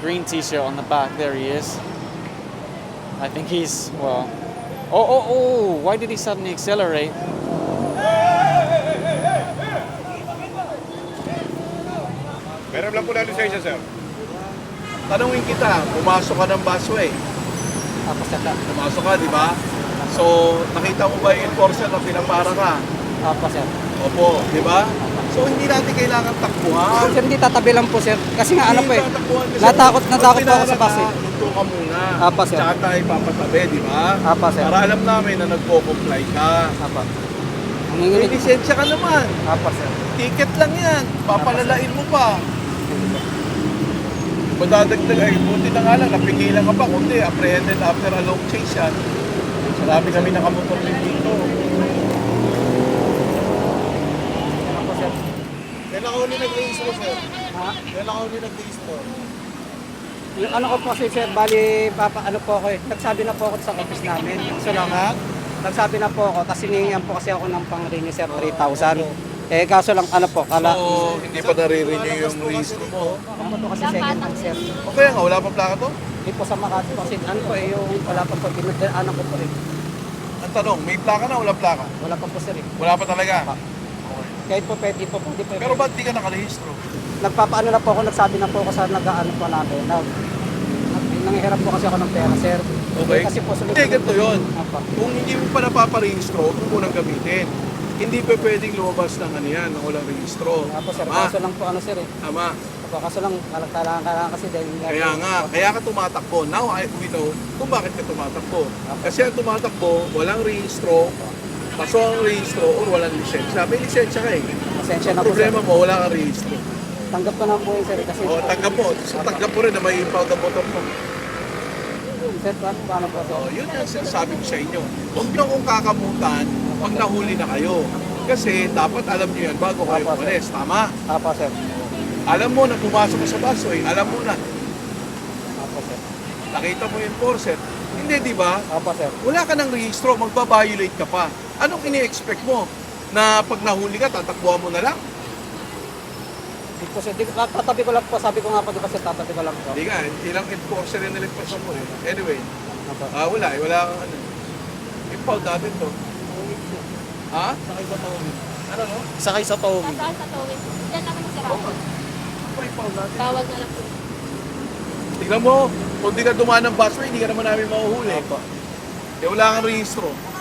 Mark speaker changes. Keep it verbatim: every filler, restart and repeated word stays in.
Speaker 1: green t-shirt on the back. There he is. I think he's, well... Oh, oh, oh! Why did he suddenly accelerate?
Speaker 2: Meron lang po na lisensya, sir.
Speaker 3: Tanungin kita, pumasok ka ng busway.
Speaker 1: Tapos sir.
Speaker 3: Pumasok ka, di ba? So, nakita mo ba yung enforcer na pinapara ka?
Speaker 1: Tapos sir.
Speaker 3: Opo, di ba? So, hindi natin kailangan takbuhan.
Speaker 1: Sir, hindi tatabi lang po sir. Kasi nga ano po eh.
Speaker 3: Hindi tatakbuhan kasi
Speaker 1: Natakot,
Speaker 3: pag
Speaker 1: natakot po ako sa
Speaker 3: pinara
Speaker 1: bus eh.
Speaker 3: ka, hinto ka muna.
Speaker 1: Apa, sir.
Speaker 3: Tsaka tayo papatabi, di ba?
Speaker 1: Apa, sir.
Speaker 3: Para alam namin na nagpo-comply ka.
Speaker 1: Apa. Ang
Speaker 3: May
Speaker 1: hinginig.
Speaker 3: lisensya ka naman.
Speaker 1: Apa sir.
Speaker 3: Ticket lang yan. Papalalain mo pa. Madadagdag ay, buti na nga lang, napigilan ka pa. Kundi, apprehended after a long chase yan. Marami kami nakamotor din dito.
Speaker 1: Ano po sir?
Speaker 3: Kailan ka huli nag-register, sir?
Speaker 1: Ha?
Speaker 3: Kailan ka huli nag-register?
Speaker 1: Yung ano ko po si sir, bali, papa, ano po ako eh. Nagsabi na po ako sa office namin. So lang ha? Nagsabi na po ako, kasi hiningihan po kasi ako ng pang-renew sir, three thousand. Eh, kaso lang, ano po, kala...
Speaker 3: So, hindi pa nare-renew yung registro mo.
Speaker 1: Ako po kasi second hand sir.
Speaker 3: O kaya nga, wala pa plaka to?
Speaker 1: Hindi po sa Makati po kasi ano po eh, yung wala pa po, dinadaanan ko po eh.
Speaker 3: Ang tanong, may plaka na, wala plaka?
Speaker 1: Wala pa po sir eh.
Speaker 3: Wala pa talaga?
Speaker 1: Kahit po pwede po, pwede po.
Speaker 3: Pero ba't di ka nakarehistro?
Speaker 1: Nagpapaano na po ako, nagsabi na po ako sa nag-ano po namin. Nag, nag, nangihiram po kasi ako ng pera sir.
Speaker 3: Okay.
Speaker 1: Eh, kasi po sunod.
Speaker 3: Hindi, ganito yun.
Speaker 1: Apa.
Speaker 3: Kung hindi mo pa napaparehistro, huwag mo nang gamitin. Hindi pa pwedeng lumabas ng ano yan, ng walang rehistro.
Speaker 1: Nga po sir,
Speaker 3: Tama?
Speaker 1: kaso lang po ano sir eh.
Speaker 3: Tama.
Speaker 1: Opo, kaso lang, kailangan kailangan kasi dahil...
Speaker 3: Kaya nga, kaya ka tumatakbo. Now, I, we know kung bakit ka tumatakbo. Kasi ang tumatakbo, walang rehistro, paso ang rehistro, or walang lisensya. May lisensya ka eh.
Speaker 1: Pasensya na
Speaker 3: Ang
Speaker 1: po sir.
Speaker 3: problema mo, wala kang rehistro.
Speaker 1: Tanggap ko na po yun sir kasi...
Speaker 3: O, tanggap mo. So, tanggap mo rin na may impound ang motor mo.
Speaker 1: Sir, paano, paano po sir?
Speaker 3: O, yun ang sinasabi ko sa inyo. Huwag niyo kong kakamutan pag nahuli na kayo. Kasi dapat alam niyo yan bago kayo
Speaker 1: Apa, sir.
Speaker 3: umalis. Tama?
Speaker 1: Apa sir.
Speaker 3: Alam mo na pumasok ka sa busway. Alam mo na.
Speaker 1: Apa sir.
Speaker 3: Nakita mo yung enforcer. Hindi, di ba?
Speaker 1: Apa sir.
Speaker 3: Wala ka ng rehistro, magbabiolate ka pa. Anong ini-expect mo? Na pag nahuli ka, tatakbuhan mo na lang?
Speaker 1: Di po sir, di, tatabi ko lang po, sabi ko nga po di ba sir, tatabi ko lang po.
Speaker 3: Hindi nga, ilang enforcer yung nilagpasan mo eh. Anyway,
Speaker 1: Apa.
Speaker 3: ah wala eh, wala kang ano. Impound natin to. Ha?
Speaker 1: Sakay sa towing.
Speaker 3: Ano no?
Speaker 1: Sakay sa towing.
Speaker 4: Saan sa towing? Diyan naman sa Rawal.
Speaker 3: Ano impound natin?
Speaker 4: Tawag na lang po.
Speaker 3: Tignan mo, kung di ka dumaan ng busway, hindi ka naman namin mahuhuli.
Speaker 1: Apa.
Speaker 3: Eh wala kang rehistro.